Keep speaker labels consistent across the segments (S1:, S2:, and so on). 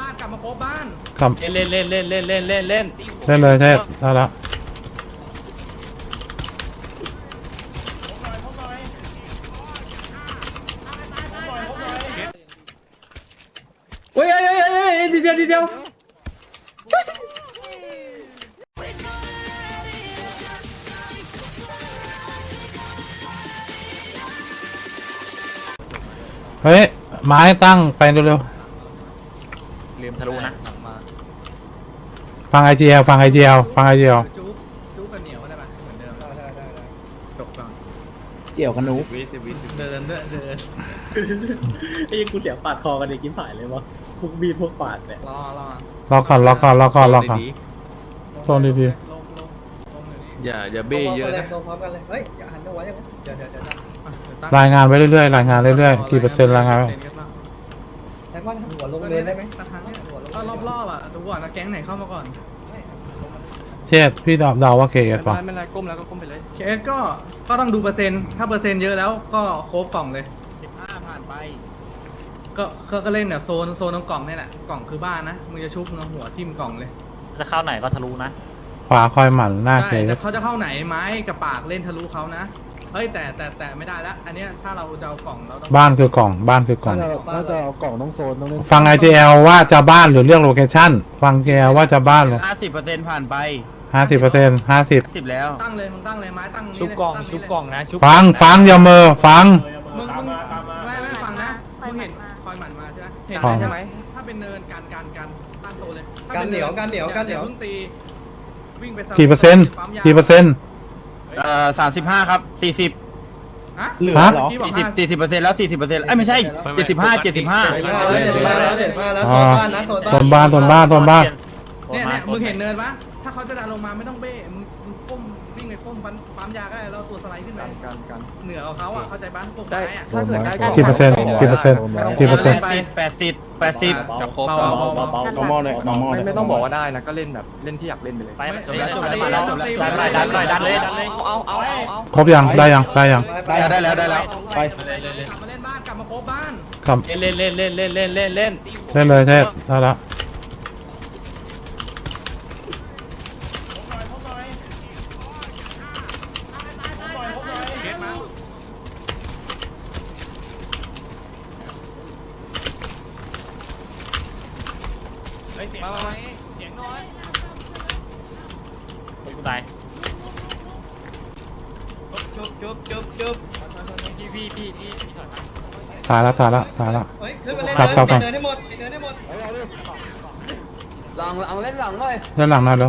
S1: านกลับมาโคบบ้าน
S2: กลับ
S3: เล่น
S2: เลยใช่ได้แล้ว
S1: เฮ้ยดีเดียว
S2: เฮ้ยไม้ตั้งไปเร็ว
S3: ลืมทะลุนะ
S2: ฟังไอเจียวฟังไอเจียว
S1: จุ๊บกันเหนียวได้ปะเหมือนเดิมได้จบก่อน
S4: เจียวกันหนู
S1: เดิน
S4: ไอ้กูเสียงปาดคอกันในกิ้มผายเลยวะพวกบีพวกปาดเนี่ย
S1: รอ
S2: ล็อกก่อนโซนดี
S1: ลงเดี๋ยวนี้
S3: อย่าเบ้เยอะนะ
S4: ลงพร้อมกันเลยเฮ้ยอย่าหันตัวไว้ยังเดี๋ยว
S2: ๆรายงานไว้เรื่อยๆรายงานเรื่อยๆกี่เปอร์เซ็นต์รายงานไว้
S4: แต่ว่าหัวลงเรียนได้ไหม
S1: สักครั้งเนี่ยก็รอบอ่ะดูก่อนนะแก๊งไหนเข้ามาก่อน
S2: เชษพี่เดาว่าเกย์ป่ะ
S3: ไม่เป็นไรก้มแล้วก็ก้มไปเลย
S1: เคสก็ต้องดูเปอร์เซ็นต์ถ้าเปอร์เซ็นต์เยอะแล้วก็โคบกล่องเลย
S3: 15ผ่านไป
S1: ก็เล่นแบบโซนตรงกล่องนี่แหละกล่องคือบ้านนะมึงจะชุบหัวทิ่มกล่องเลย
S3: จะเข้าไหนก็ทะลุนะ
S2: ขวาคอยหมั่นหน้าเก
S1: ใช่
S2: ย์
S1: แต่เขาจะเข้าไหนไม้กับปากเล่นทะลุเขานะเฮ้ยแต่ไม่ได้แล้วอันเนี้ยถ้าเราจะเอากล่องเราต้อง
S2: บ้านคือกล่อง
S4: ถ้าจะเอากล่องต้องโซนต้องเล่น
S2: ฟังไอเจลว่าจะบ้านหรือเลือกโลเคชั่นฟังเจลว่าจะบ้านหรือ
S3: 50%ผ่านไป
S2: 50%
S3: 10แล้ว
S1: ตั้งเลยมึงตั้งเลยไม้ตั้ง
S3: ชุบกล่องชุบกล่องนะชุบ
S2: ฟังอย่าเมอฟัง
S1: มึงไม่ฟังนะมึงเห็นคอยหมั่นมาใช่ไหมเห็น
S2: ฟัง
S1: ใช่ไหมถ้าเป็นเนินการตั้งโซนเลย
S4: การเหนียวเ
S1: พิ่งตีวิ่งไป
S2: กี่เปอร์เซ็นต์
S3: 35ครับ40
S1: ฮะ
S4: เหลือเหรอ
S3: 40%แล้ว40%ไม่ใช่75
S2: โซนบ้าน
S1: เนี่ยมึงเห็นเนินปะถ้าเขาจะดันลงมาไม่ต้องเบ้มึงก้มวิ่งไปก้มปั๊มยาก็ได้แล้วตัวสไลด์ขึ้นไปเหนือเขาอ่ะเข้าใจปะพวกไม้อ่ะ
S2: กี่เปอร์เซ็นต์
S3: 80
S4: มอเลย
S5: ไม่ต้องบอกว่าได้นะก็เล่นแบบเล่นที่อยากเล่นไปเลย
S3: ไปจบแล้วดันเลยเอา
S2: ครบยังได้ยัง
S3: ได้แล้ว
S4: ไป
S1: กลับมาเล่นบ้านกลับมาโคบบ้าน
S2: กลับ
S3: เล่น
S2: เล่นเลยใช่ได้แล้ว
S3: มาเสียงน้อยกูตายจุ๊บพี่ถอยมา
S2: ตายแล้ว
S4: เฮ้ยขึ้นมาเล่น
S2: ครับ
S4: เดินให้หมด
S5: เอาเล่นหลังเลย
S2: ด้านหลังนั่นแล้ว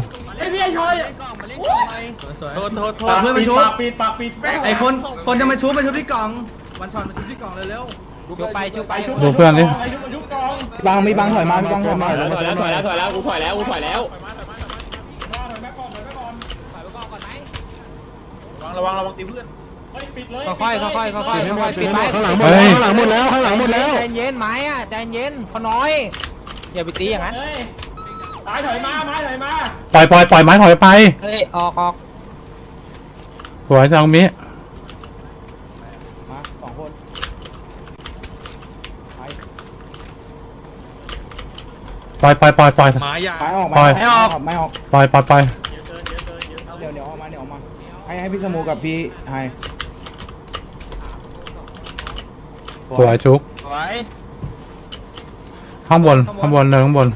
S3: โทษ
S1: เพื่อนมาชุบ
S3: ปากปิด
S1: ไอ้คนจะมาชุบมาชุบที่กล่องวันช็อตมาชุบที่กล่องเร็ว
S3: ชุบไป
S2: ดูเพื่อนดิ
S4: มีบังถอยมาถอยมา
S5: ถอยแล้วกูถอยแล้ว
S3: ระวังตีเพื่อน
S5: ค่อยปิดไป
S4: ข้างหลังหมดแล้ว
S5: ใจเย็นไม้อ่ะใจเย็นเขาน้อยอย่าไปตีอย่างนั้น
S2: ปล่อยไม้ถอยไป
S5: เฮ้ยออก
S2: สวยจังมิ
S4: มา2คน
S2: ปล่อย
S3: หมาใหญ่
S4: ไปออก
S2: ปล่อย
S4: ไม่ออก
S2: ปล่อย
S4: เดี๋ยวออกมาให้พี่สมูกับพี่ไฮ
S2: สวยชุก
S3: ไว้
S2: ข้างบนเนินข้างบน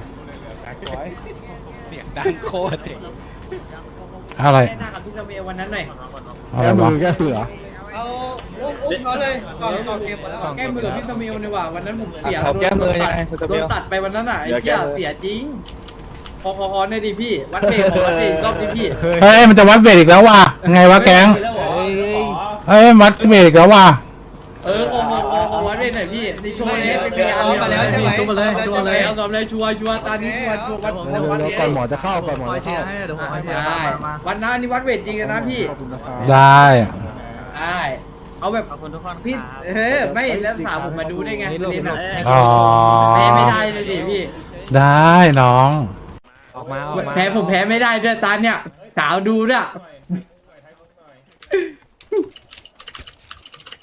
S3: ดังโคตร
S2: อะไร
S1: ๆหน้ากับพี่เซเววันนั้นหน่อย
S2: อะไรวะ
S4: แก้เสือเอาอุ้มเขาเลยก่อนเกมหมดแล้ว
S1: แก้มือกับพี่เซเวนี่ว่าวันนั้นผมเสีย
S4: เขาแก้มือยังไง
S1: โดนตัดไปวันนั้นอ่ะไอ้เหี้ยเสียจริงพอเนี่ยดิพี่วัดเบรกวัดเบรกรอบดิพี่
S2: เฮ้ยมันจะวัดเวทอีกแล้วว่ะไงวะแก๊งเฮ้ยวัดเวทอีกแล้วว่ะ
S1: ขอวัดเบรกหน่อยพี่ในโชว์นี้เป็นพยานมาแล้วใช่ไหมโชว์มาเลยเอาตอนเลยชัวร์ตอนนี้วัด
S4: ก่อนหมอจะเข้าก่อนหมอ
S1: คอย
S4: จะ
S1: เชีย
S4: เข้า
S1: ร์ให้เดี๋ยวผมคอยเชียร์ได้วันนั้นนี่วัดเวทจริงนะพี่
S2: ได้
S1: เอาแบบ
S3: ขอบคุณทุกคน
S1: พี่ไม่แล้วถามผมมาดูได้ไงเล่นอ่ะ
S2: อ๋อ
S1: แพ้ไม่ได้เลยดิพี่
S2: ได้น้อง
S5: ออกมา
S1: แพ้ผมแพ้ไม่ได้ด้วยตาเนี่ยสาวดูด้วย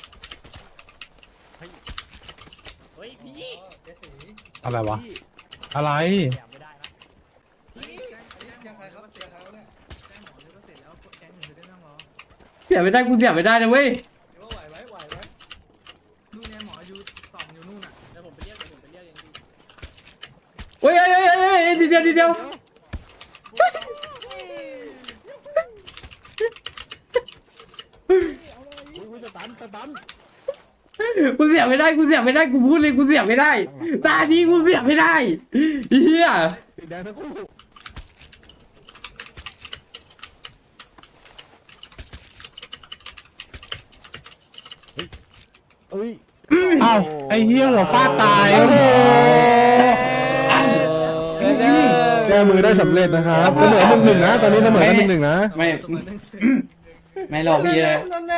S2: อะไรวะอะไร
S4: ยังใครครับยังใครวะเนี่ย
S1: แจ้งหมอเลยก็เสร็จแล้วแก๊งอื่นจะได้ไม่ต้องรอ
S6: เสียไม่ได้กูเสียไม่ได้นะเว้ย
S4: เดี๋ยวไหวไหมไหวไหม
S1: นู่นเนี่ยหมออยู่สองอยู่นู่นอ่ะ
S3: เดี๋ยวผมไปเรียกเองพี่
S6: โอ้ยทีเดียวกูเสียไม่ได้กูพูดเลยกูเสียไม่ได้ตานี้กูเสียไม่ได้เฮีย
S2: อ้าวไอ้เหี้ยหัวฟาดตาย
S6: โอ้โห
S2: แก้มือได้สำเร็จนะครับเสมอ1-1นะตอนนี้เสมอกัน1-1นะ
S6: ไม่ไม่หรอกพี่เลย
S4: นั่นแน่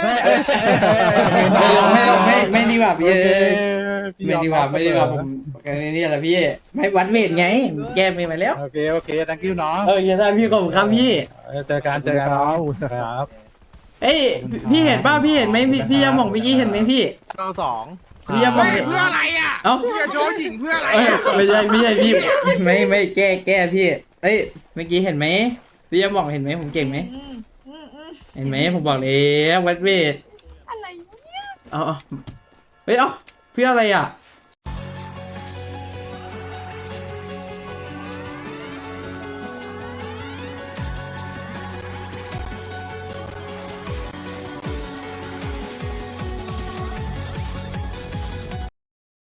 S6: ไม่ดีกว่าพี่ไม่ดีกว่าผมนี่แหละพี่ไม่วัดเวทไงแก้ไม่มาแล้ว
S2: โอเค thank you น้อง
S6: อย่าได้พี่ขอบคุณครับพี่
S2: เจอกันน้องครับ
S6: เอ้ยพี่เห็นป่ะพี่เห็นไหมพี่ยาหม่องเมื่อกี้เห็นไหมพี่
S5: เราสอง
S6: พี่ยาหม่องเพื่ออะไรอ่ะเอ้า
S3: จะโชว์หญิงเพื่ออะไร
S6: ไม่ใช่พี่ไม่แก้พี่เอ้ยเมื่อกี้เห็นไหมพี่ยาหม่องเห็นไหมผมเก่งไหมเห็นไหมผมบอกเลยวัดเวท
S7: อะไรวะเนี่ย
S6: เอาเฮ้ยเอ้าเพื่ออะไรอ่ะ